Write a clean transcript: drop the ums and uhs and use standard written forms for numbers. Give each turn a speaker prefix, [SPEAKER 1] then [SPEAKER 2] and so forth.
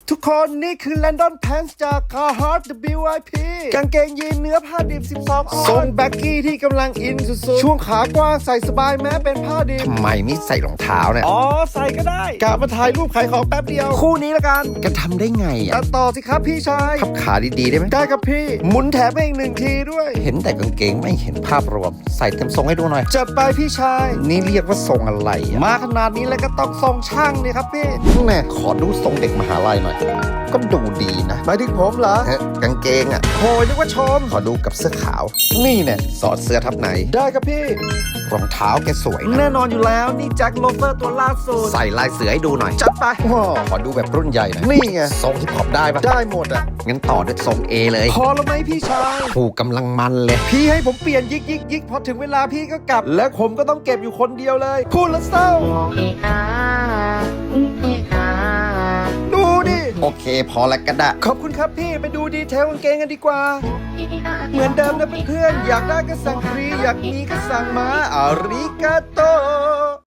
[SPEAKER 1] ทุกคนนี่คือ London Pants จาก Carhartt WIP กางเกงยีนเนื้อผ้าดิบ 12 ออนทรงแบ็กกี้ที่กำลังอินสุดๆช่วงขากว้างใส่สบายแม้เป็นผ้าดิบ
[SPEAKER 2] ทำไมไม่ใส่รองเท้าเนี่ย
[SPEAKER 1] อ๋อใส่ก็ได้กะมาถ่ายรูปขายของแป๊บเดียว คู่นี้ละกัน
[SPEAKER 2] กันทำได้ไง
[SPEAKER 1] ตั
[SPEAKER 2] อ่ะ
[SPEAKER 1] ดต่อสิครับพี่ชาย
[SPEAKER 2] พับขาดีๆได้ไหม
[SPEAKER 1] ได้ครับพี่ หมุนแถมให้อีกหนึ่งทีด้วย
[SPEAKER 2] เห็นแต่กางเกงไม่เห็นภาพรวม ใส่เต็มทรงให้ดูหน่อย
[SPEAKER 1] จัดไปพี่ชาย
[SPEAKER 2] นี่เรียกว่าทรงอะไรอ่ะ
[SPEAKER 1] มาขนาดนี้แล้วก็ต้องทรงช่างนี่ครับพี่
[SPEAKER 2] แน่ขอดูทรงเด็กมหาลัยหน่อย ก็ดูดีนะ
[SPEAKER 1] หมายถึงผมเหรอ
[SPEAKER 2] เฮ้ยกางเกงอ่ะ
[SPEAKER 1] โหยนึกว่าชม
[SPEAKER 2] ขอดูกับเสื้อขาว นี่เนี่ยสอดเสื้อทับใน
[SPEAKER 1] ได้ครับพี่
[SPEAKER 2] รองเท้าแกสวยนะ
[SPEAKER 1] แน่นอนอยู่แล้วนี่แจ็คโลเฟอร์ตัวล่าสุด
[SPEAKER 2] ใส่ลายเสือให้ดูหน่อย
[SPEAKER 1] จัดไป
[SPEAKER 2] ว้าวขอดูแบบรุ่นใหญ่หน่อย
[SPEAKER 1] นี่ไง
[SPEAKER 2] ทรงฮิปฮอปได้ปะ
[SPEAKER 1] ได้หมดอ่ะ
[SPEAKER 2] งั้นต่อด้วยทรง A เลย
[SPEAKER 1] พอแล้วไหมพี่ชาย
[SPEAKER 2] ผูกกำลังมันเลย
[SPEAKER 1] พี่ให้ผมเปลี่ยนยิกพอถึงเวลาพี่ก็กลับ และผมก็ต้องเก็บอยู่คนเดียวเลย พูดแล้วเศร้า ดูดิ
[SPEAKER 2] โอเคพอแล้วก็ได้
[SPEAKER 1] ขอบคุณครับพี่ไปดูดีเทลกางเกงกันดีกว่า เหมือนเดิมนะเพื่อนๆอยากได้ก็สั่งฟรีอยากมีก็สั่งมาอาริกาโต